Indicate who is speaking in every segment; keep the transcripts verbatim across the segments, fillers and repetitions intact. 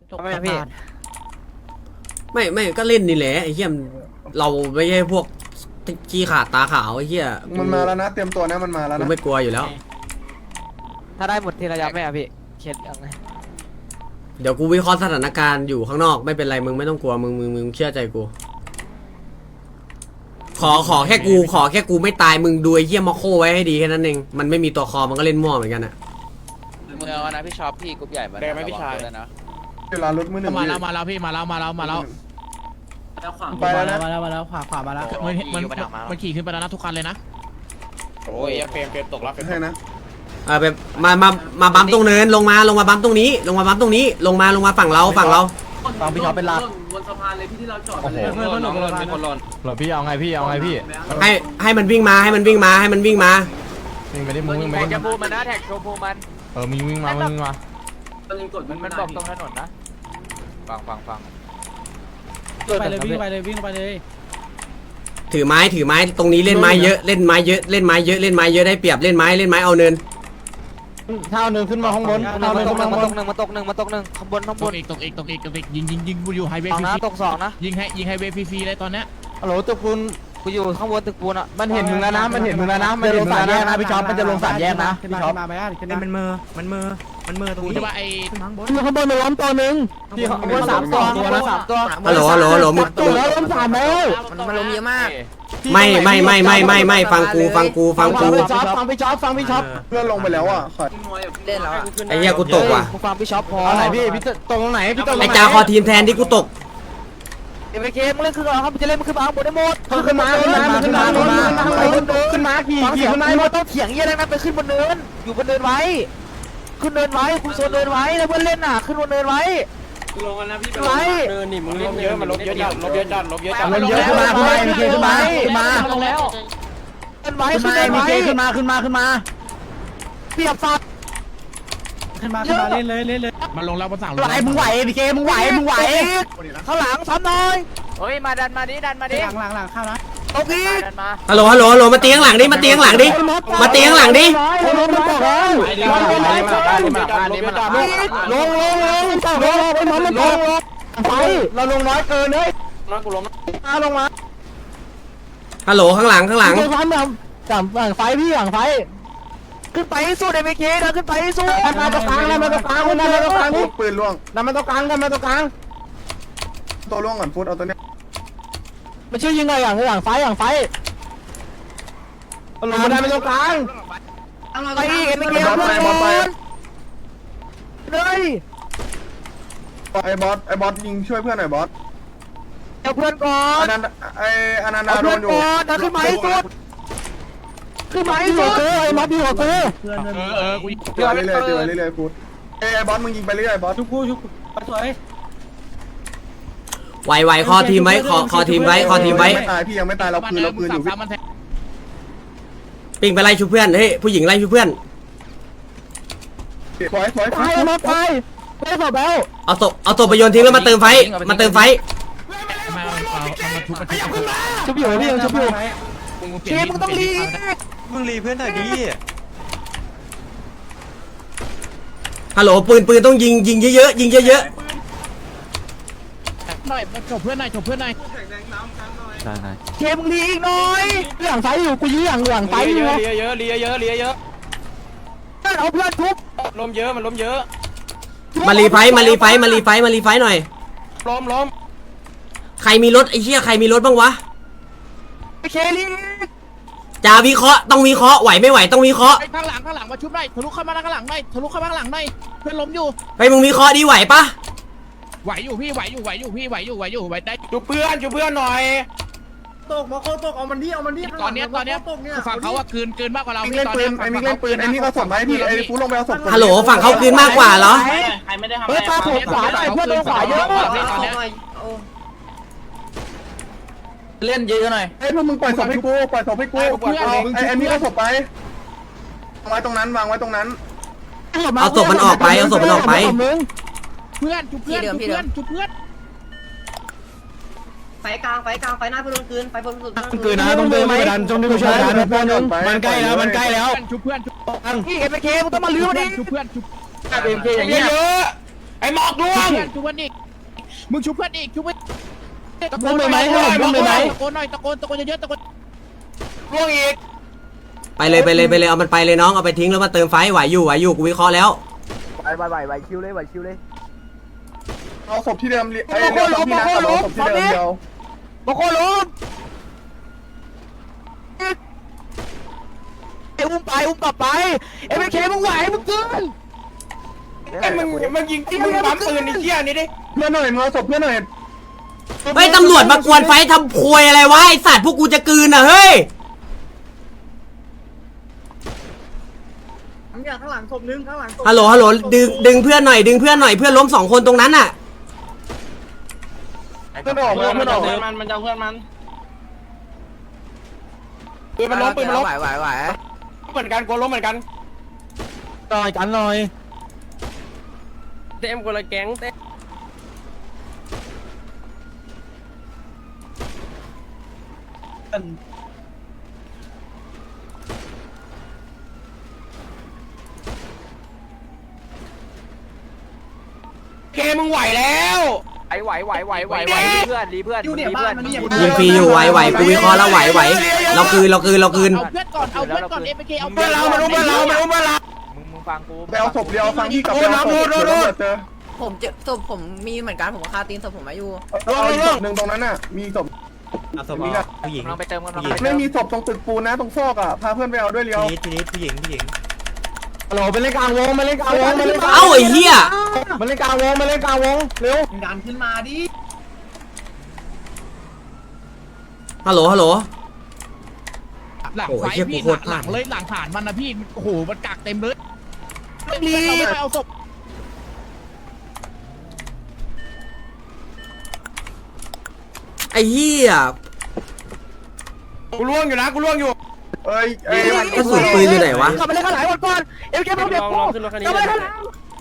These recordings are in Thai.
Speaker 1: ทำไมพี่
Speaker 2: ไม่ไม่ก็เล่นนี่แหละไอ้เหี้ยเราไม่ใช่พวกขี้ขาดตาขาวไอ้เหี้ย
Speaker 3: มันมาแล้วนะเตรียมตัวนะมันมาแล้วนะ
Speaker 2: ไม่กลัวอยู่แล้ว
Speaker 1: ถ้าได้หมดทีละยับไหมอะพี่เคสยังไง
Speaker 2: เดี๋ยวกูวิเคราะห์สถานการณ์อยู่ข้างนอกไม่เป็นไรมึงไม่ต้องกลัวมึงมึงมึงเชื่อใจกูขอขอแค่กูขอแค่กูไม่ตายมึงดูไอ้เหี้ยมาโคไว้ให้ดีแค่นั้นเองมันไม่มีตัวคอมันก็เล่นมั่วเหมือนกันอะ
Speaker 4: เมื่อวันนะพี่ชอบพี่กรุ๊ปใหญ่มาได้ไหมพี่ชายนะ
Speaker 3: เวลารถมือหนึ่ง
Speaker 5: มาแล้วมาแล้วพี่มาแล้วมาแล้วมาแล้ว
Speaker 3: ไปแล้ว
Speaker 5: มาแล้วมาแล้วขวาขวามาแล้วมันมันมันขี่ขึ้นไปแล้วนะทุกคันเลยนะ
Speaker 4: โอ้ยเฟรมเฟรมตกแล้ว
Speaker 3: ใช่นะ
Speaker 2: เออไปมามามาบัมตรงเนินลงมาลงมาบัมตรงนี้ลงมาบัมตรงนี้ลงมาลงมาฝั่งเราฝั่งเรา
Speaker 5: ฝั่งพี่ชอบเป็นหลัก
Speaker 6: บนสะพานเลยพี่ที่เราจอด
Speaker 5: โอ้โหเพื่อนเพื่อนหล่นมีคนหล่นหล่นพี่เอาไงพี่เอาไงพี่
Speaker 2: ให้ให้มันวิ่งมาให้มันวิ่งมาให้มันวิ่งมา
Speaker 5: วิ่งไปดิมึงวิ่งไปดิ
Speaker 1: แท็กจะพูมันนะแท็กโชว์พูมัน
Speaker 5: เออมึงวิ่งมามึงวิ่งมา
Speaker 6: มันยังกด
Speaker 1: มันมันบอกตรงถนนนะฟังฟังฟัง
Speaker 5: ไปเลยวิ่งไปเลยวิ่งไปเลย
Speaker 2: ถือไม้ถือไม้ตรงนี้เล่นไม้เยอะเล่นไม้เยอะเล่นไม้เยอะเล่นไม้เยอะได้เปรียบเล่นไม้เล่นไม้เอาเนิน
Speaker 5: เท้าเนินขึ้นมาข้างบนเท้าเนินขึ้นมาข้างบน
Speaker 1: มาตกหนึ่งมาตกหนึ่งมาตกหนึ่งข้างบนข้างบน
Speaker 5: อีกตกอีกตกอีกตกอีกยิงยิงยิงกูอยู่ไฮเวย์ฟรี
Speaker 1: นะตกสองนะ
Speaker 5: ยิงให้ยิงไฮเวย์ฟรีเลยตอนเนี้ยฮัลโหลตึกปูน
Speaker 1: กูอยู่ข้างบนตึกปูนอ่ะ
Speaker 5: มันเห็นมึงแล้วนะมันเห็นมึงแล้วนะมันจะลงสามแยกนะพี่ช็อปมันจะลงสามแยกนะพี่ช็อปมาไปอ่ะ
Speaker 7: มันมือมันมือมันมือตรงนี้
Speaker 5: ใช่ป่ะไอ้
Speaker 7: ข้างบน
Speaker 5: ข้างบนล้มตัวหนึ่ง
Speaker 1: ที่ข้างบนสามตัวตัวละสามตัว
Speaker 2: ฮัลโหลฮัลโหลฮัลโหลมึง
Speaker 5: ตัวแล้วล้มสามแล้ว
Speaker 7: มันล้มเยอะมาก
Speaker 2: ไม่ไม่ไม่ไม่ไม่ไม่ฟังกูฟังกูฟังกู
Speaker 5: ฟังพี่ช็อปฟังพี่ช็อปฟังพี่ช็อป
Speaker 3: เพื่อนลงไปแล้วอ่ะ
Speaker 7: เล่นแล้ว
Speaker 2: ไอ้เหี้ยกูตกว่ะ
Speaker 1: ฟังพี่ช็อปพอ
Speaker 5: ไหนพี่พี่ตกตรงไหนพี่ตก
Speaker 2: ไอ้จ่าคอทีมแทนที่กูตก
Speaker 1: เอ็มเคมึงเล่นขึ้นก่อนครับจะเล่นมันขึ้นมาหมดได้หมด
Speaker 5: ขึ้นมาขึ้นมาขึ้นมาขึ้นมาขึ้นมาขี่ขี่ขึ้นมา
Speaker 1: ต้องเถียงเยี่ยอะไรนะไปขึ้นบนเนินอยู่บนเนินไว้ขึ้นเนินไว้คุณโซนเนินไว้แล้วเพื่อนเล่นน่ะขึ้นบนเนินไว้
Speaker 6: ลงกันนะพี่ไปเนินนี่มึงเล่น
Speaker 4: เยอะมันลบเยอะจัดลบเยอะจัดลบเยอะจัด
Speaker 5: ลบเยอะขึ้นมาขึ้นมาขึ้นมาขึ้นมา
Speaker 1: ลงแล้วขึ้นไว้ขึ้นไว้
Speaker 5: ขึ้นมาขึ้นมาขึ้นมา
Speaker 1: เปียบฟัด
Speaker 5: ขึ้นมาขึ้นมาเล่นเลยเล่นเลยมาลงแล้วภาษาไหวมึงไหวพีเคมึงไหวมึงไหว
Speaker 1: ข้างหลังซ้ำหน่อยเฮ้ยมาดันมาดิดันมาดิ
Speaker 5: หลังหลังหลังเข้านะ
Speaker 1: โอเค
Speaker 2: ฮัลโหลฮัลโหลฮัลโหลมาเตียงหลังดิมาเตียงหลังดิมาเตียงหลังดิ
Speaker 5: ลงลงลงลงลงลงไปเราลงน้อยเกินเลย
Speaker 4: น้อยกูล้ม
Speaker 5: มาลงมา
Speaker 2: ฮัลโหลข้างหลังข้างหลัง
Speaker 5: ฝั่งฝั่งฝั่งไฟพี่ฝั่งไฟ
Speaker 1: ขึ้นไปสู้เดมิเคนะขึ้นไปสู้
Speaker 5: มาตรงกลางนะมาตรงกลางนะมาตรงกลางนี่
Speaker 3: ปืนล่วง
Speaker 5: นำมาตรงกลางกันมาตรงกลาง
Speaker 3: ตัวล่วงก่อนฟุตเอาตัวเนี้ย
Speaker 5: มันชื่อยิงไงอย่างอย่างไฟอย่างไฟลงมาได้ไม่ตรงกลาง
Speaker 1: ไปอีกเอ็มเคเอาเพื่อนก่อนเลย
Speaker 3: ไอ้บอสไอ้บอสยิงช่วยเพื่อนหน่อยบอส
Speaker 1: เอาเพื่อนก่อน
Speaker 3: อันนั้นไอ้อันนั้นโดนอยู่
Speaker 1: นะขึ้นมาให้สุดขึ้นมาให้สุด
Speaker 5: ไอ้บอสดีกว่ากู
Speaker 3: เออเออกูเรื่อยเรื่อยเรื่อยเรื่อยฟุตไอ้บอสมึงยิงไปเรื่อยบอส
Speaker 5: ชุบกูชุบสวย
Speaker 2: ไวไวคอทีมไว้คอคอทีมไว้คอทีมไว้
Speaker 3: ไม่ตายพี่ยังไม่ตายเราคืนเราคืนอยู่
Speaker 2: ปิงไปไล่ชูเพื่อนเฮ้ยผู้หญิงไล่ชูเพื่อน
Speaker 3: ถอยถอย
Speaker 5: ตายมาตายไม่ศพแล้ว
Speaker 2: เอาศพเอาศพไปโยนทิ้งแล้วมาเติมไฟมาเติมไฟ
Speaker 5: มาเอามาทุบมาทุบอยู่พี่ยังชุบอยู่
Speaker 1: เชฟมึงต้องรี
Speaker 7: มึงรีเพื่อนหน่อยดิ
Speaker 2: ฮัลโหลปืนปืนต้องยิงยิงเยอะๆยิงเยอะๆ
Speaker 5: หน่อยจบเพื่อนหน่อยจบเพื่อนหน่อย
Speaker 7: ใช่ใช่
Speaker 1: เชฟมึงรีอีกหน่อย
Speaker 5: หลังไฟอยู่กูยื้อหลังหลังไฟอยู่
Speaker 4: เยอะเยอะเยอะเยอะเยอะเยอะ
Speaker 1: เอาเพื่อนทุบ
Speaker 4: ล้มเยอะมันล้มเยอะ
Speaker 2: มารีไฟมารีไฟมารีไฟมารีไฟหน่อย
Speaker 4: ล้มล้ม
Speaker 2: ใครมีรถไอ้เหี้ยใครมีรถบ้างวะ
Speaker 1: เคลี
Speaker 2: จ่าวิเคราะห์ต้องวิเคราะห์ไหวไม่ไหวต้องวิเคราะห์
Speaker 5: ข้างหลังข้างหลังมาชุบได้ทะลุเข้ามาข้างหลังได้ทะลุเข้ามาข้างหลังได้เพื่อนล้มอยู่
Speaker 2: ไปมึงวิเคราะห์ดีไหวปะ
Speaker 5: ไหวอยู่พี่ไหวอยู่ไหวอยู่พี่ไหวอยู่ไหวอยู่ไหวได้
Speaker 4: จุเพื่อนจุเพื่อนหน่อย
Speaker 6: ตกมาโคตกเอามันที่เอามันที่
Speaker 5: ตอนนี้ตอนนี้ฝั่งเขาอะคืนคืนมากกว่าเรา
Speaker 3: ไอ้เล่นปืนไอ้มิกเล่นปืนไอ้นี่ก็ส่งไปพี่ไอ้ฟูลงไปเอาศพ
Speaker 2: ฮัลโหลฝั่งเขาคืนมากกว่าเหรอ
Speaker 6: ใครไม่ได้ทำ
Speaker 5: เฮ้ยตาผมขวาหน่อยเพื่อนโดนขวาเยอะ
Speaker 1: เล่นเยอะหน่อย
Speaker 3: ไอ้พวกมึงปล่อยศพให้กูปล่อยศพให้กูไอ้ไอ้นี่ก็ศพไปวางไว้ตรงนั้นวางไว้ตรงนั้น
Speaker 2: เอาศพมันออกไปเอาศพมันออกไป
Speaker 5: เพื่อนจุเพื่อนจุเพื่อนจุเพื่อน
Speaker 6: ไฟกลางไฟกลางไฟหน้าเพื่อนคืนไฟบนสุด
Speaker 5: คืนนะต้องเดินไม่ดันต้องเดินช่วยกันเพื่อนมันใกล้แล้วมันใกล้แล้วจุเพื่อนจุ
Speaker 1: พี่เอ็มเคมึงต้องมาลื้อมันดิ
Speaker 5: จุเพื่อนจุ
Speaker 1: เอ็มเคอย่างเงี้ย
Speaker 5: ไอ้หมอกล่วง
Speaker 1: ชุบเพื่อนอีกมึงชุบเพื่อนอีกชุบเพื่อนตะโก
Speaker 5: มึ
Speaker 1: น
Speaker 5: ง
Speaker 1: ห
Speaker 5: ไป
Speaker 1: น่อย
Speaker 5: ไหมมึงไปไหม
Speaker 1: ตะโกนหน่อยตะโกนตะโกนเยอะๆตะโกน
Speaker 5: ล่วงอีก
Speaker 2: ไปเลยไปเลยไปเลยเอามันไปเลยน้องเอาไปทิ้งแล้วมาเติมไฟไหวอยู่ไหวอยู่กูวิเคราะห์แล้ว
Speaker 1: ไหวไหวไหวไหวคิวเลยไหวคิวเลย
Speaker 3: เอาศพที่เดิมไอ้เรือศพที่นะเอาศพที่เดิมเดียว
Speaker 1: บางคนล้มไอ้อุ้มไปอุ้มกลับไปเอ็มเคมึงไหวมึงเกิน
Speaker 5: ไอ้มึงมึงยิงที่มึงปั๊มปืนไอ้เหี้ยนี่ดิ
Speaker 3: เพื่อนหน่อยมึงเอาศพเพื่อนหน่อย
Speaker 2: เฮ้ยตำรวจมากวนไฟทำพวยอะไรวะไอสัตว์พวกกูจะกลืนอ่ะเฮ้ย
Speaker 6: ข้างหลังศพนึงข้างหลังศพ
Speaker 2: ฮัลโหลฮัลโหลดึงดึงเพื่อนหน่อยดึงเพื่อนหน่อยเพื่อนล้มสองคนตรงนั้นอ่ะ
Speaker 3: เพื่อนออกเพื่อนออก
Speaker 6: เพื่อนมันมันจะเพื่อนมัน
Speaker 5: ปืนมันล้มปืนมันล้ม
Speaker 7: ไหวไหวไหว
Speaker 5: เหมือนกันกูล้มเหมือนกัน
Speaker 1: หน่อยกันหน่อย
Speaker 6: เต็มคนละแก๊งเต็ม
Speaker 5: เคมึงไหวแล้ว
Speaker 1: ไอ้ไหวไหวไหวไหวไหวเพื่อนรีเพื่อนรีเพื่อน
Speaker 2: ยิงฟรีอยู่ไหวไหวกูวิเคราะห์แล้วไหวไหวเราคืนเราคืนเราคืน
Speaker 1: เอาเพื่อนก่อนเอาเพื่อนก่อนเอ็มเคเอา
Speaker 5: เพื่อนเรามารู้เพื่อนเรามารู้เพื่อนเรา
Speaker 1: มึงมึงฟังกู
Speaker 3: ไปเอาศพเดียวฟังที่กับไปเอาศพเดี๋ยวเจอ
Speaker 7: ผมเจอศพผมมีเหมือนกันผมก็คาตีนศพผมมาอยู่
Speaker 3: เอาอีกศพหนึ่งตรงนั้นน่ะมีศพ
Speaker 8: เอาศพ
Speaker 3: มี
Speaker 8: อ
Speaker 3: นะ
Speaker 8: อกผู้หญิง
Speaker 1: กำลังไปเติมกำลัง
Speaker 3: ไม่มีศพตรงตึกปูนนะตรงซอกอ่ะพาเพื่อนไปเอาด้วยเลี้ยว
Speaker 8: ทีนี้ทีนี้ผู้หญิงผู้หญิง
Speaker 5: ฮัลโหลไปเล่นกลางวงมาเล่นกลางวงมาเล่น
Speaker 2: เอ้าไอ้เหี้ย
Speaker 5: มาเล่นกลางวงมาเล่นกลางวงเร็ว
Speaker 6: ดันขึ้นมาดิ
Speaker 2: ฮัลโหลฮัลโหล
Speaker 1: หลัง
Speaker 2: โอ้
Speaker 1: ไฟ
Speaker 2: ยเหี้ย
Speaker 1: พี่
Speaker 2: กูโคตรพ
Speaker 1: ห
Speaker 2: ลา
Speaker 1: ลั
Speaker 2: ด
Speaker 1: งเลยหลังฐานมันนะพี่โอ้โหมันกักเต็มเลยรีเราไม่ไปเอาศพ
Speaker 2: ไอ้เหี้ย
Speaker 5: กูล่วงอยู่นะกูล่วงอยู่
Speaker 3: เอ้ยเอ้ย
Speaker 2: กระสุนปืนอยู่ไหนวะ
Speaker 1: กลับไปเล่นข้างหลังก่อนก่อนเอ็มเคพร้อมเด็กกูกลับไปข้างหลัง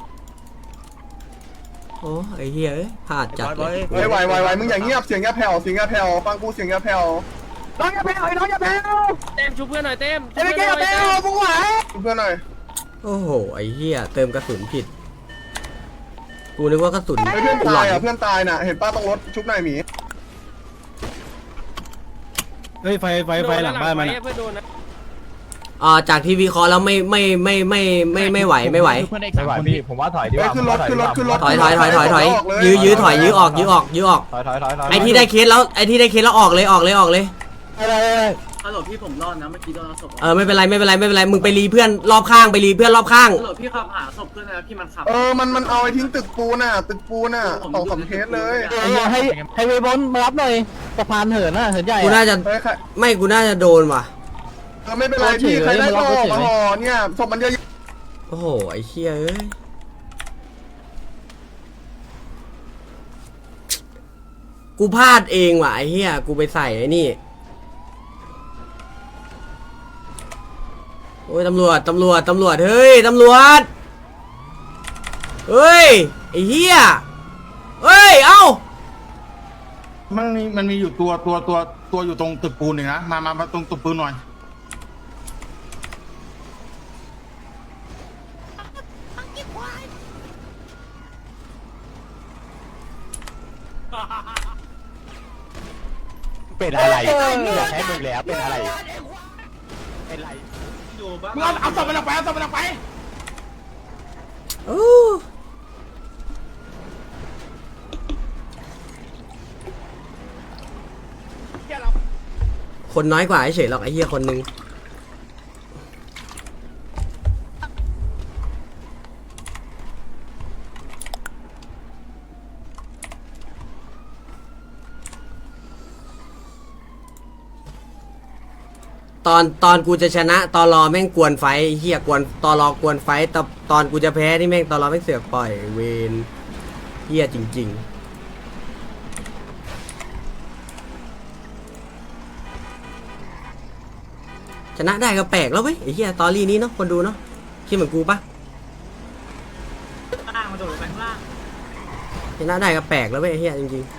Speaker 2: โอ้ไอ้เหี้ยเอ้ยพลาดจัดเลย
Speaker 3: เฮ้ยไหวไหวไหวมึงอย่างเงียบเสียงอย่าแผ่วเสียงอย่าแผ่วฟังกูเสียงอย่าแผ่ว
Speaker 1: น้องอย่าแพ้ไอ้น้องอย่าแพ้
Speaker 6: เต็มชูเพื่อนหน่อยเต็ม
Speaker 1: เอ็มเคอย่าแพ้มึงไหว
Speaker 3: เพื่อนหน่อย
Speaker 2: โอ้โหไอ้เหี้ยเติมกระสุนผิดกูนึกว่ากระสุน
Speaker 3: เพื่อน
Speaker 2: หล่
Speaker 3: ตา
Speaker 2: อย น
Speaker 3: อ่ะเพื่อนตายน่ะเห็นป้าต้องรถชุบหน่อยหมี
Speaker 5: เฮ้ยไฟไฟไฟหลังบ้านมัน
Speaker 6: เพื่อนโดนนะ
Speaker 2: อ่าจากที่วิเคราะห์แล้วไม่ไม่ไม่ไม่ไม่ไม่ไหวไม่ไหว
Speaker 1: เพื่อนอีก
Speaker 8: ไม่
Speaker 1: สาม
Speaker 8: ไหว
Speaker 1: คน
Speaker 8: พี่ผมว่าถอยดีก
Speaker 3: เฮ้ย
Speaker 8: ว่า
Speaker 3: ขึ้นรถขึ้นรถขึ้นรถ
Speaker 2: ถอยถอยถอยถอยถอยยื้อยื้อถอยยื้อออกยื้อออกยื้อออก
Speaker 8: ถอยถอยถอยถอย
Speaker 2: ไอ้ที่ได้เคสแล้วไอ้ที่ได้เคสแล้วออกเลยออกเลยออกเลย
Speaker 6: ฮัลโหลพี่ผมรอดนะเมื่อกี้โดนศพ
Speaker 2: เออไม่เป็นไรไม่เป็นไรไม่เป็นไรมึงไปรีเพื่อนรอบข้างไปรีเพื่อนรอบข้าง
Speaker 6: ฮัลโหลพี่ขับหาศพเพื่อนนะพี่มันขับ
Speaker 3: เออมันมันเอาไอ้ทิ้งตึกปูน่ะตึกปูน่ะสองสามเคสเลย
Speaker 5: ให้ให้เวบอลมารับหน่อยสะพานเหินน่ะเหินใหญ่
Speaker 2: กูน่าจะ
Speaker 3: เฮ้ยใคร
Speaker 2: ไม่กูน่าจะโดนว่ะ
Speaker 3: เออไม่เป็นไรพี่ใครได้ก็ออกมาห่อเนี่ยศพมันเยอะ
Speaker 2: โอ้โหไอ้เชี่ยเอ้ยกูพลาดเองว่ะไอ้เหี้ยกูไปใส่ไอ้นี่โอ้ยตำรวจตำรวจตำรวจเฮ้ยตำรวจเฮ้ยไอ้เหี้ยเฮ้ยเอ้า
Speaker 9: มันมีมันมีอยู่ตัวตัวตัวตัวอยู่ตรงตึกปูนหนึ่งนะมามามาตรงตึกปูนหน่อย
Speaker 8: เป็นอะไรอยากให้มึงแล้วเป็นอะไรเป็นไร
Speaker 5: มึงเอาเอาศพมันออกไปเอาศพมันออกไป
Speaker 2: โอ้คนน้อยกว่าเฉยๆหรอกไอ้เหี้ยคนนึงตอนตอนกูจะชนะตอนรอแม่งกวนไฟไอ้เหี้ยกวนตอนรอกวนไฟแต่ตอนกูจะแพ้นี่แม่งตอนรอแม่งเสือกปล่อยเวนเหี้ยจริงๆชนะได้ก็แปลกแล้วเว้ยไอ้เหี้ยตอรี่นี้เนาะคนดูเนาะคิดเหมือนกูปะ
Speaker 6: ล่างมาโดดลงไปข้างล่าง
Speaker 2: ชนะได้ก็แปลกแล้วเว้ยไอ้เหี้ยจริงๆ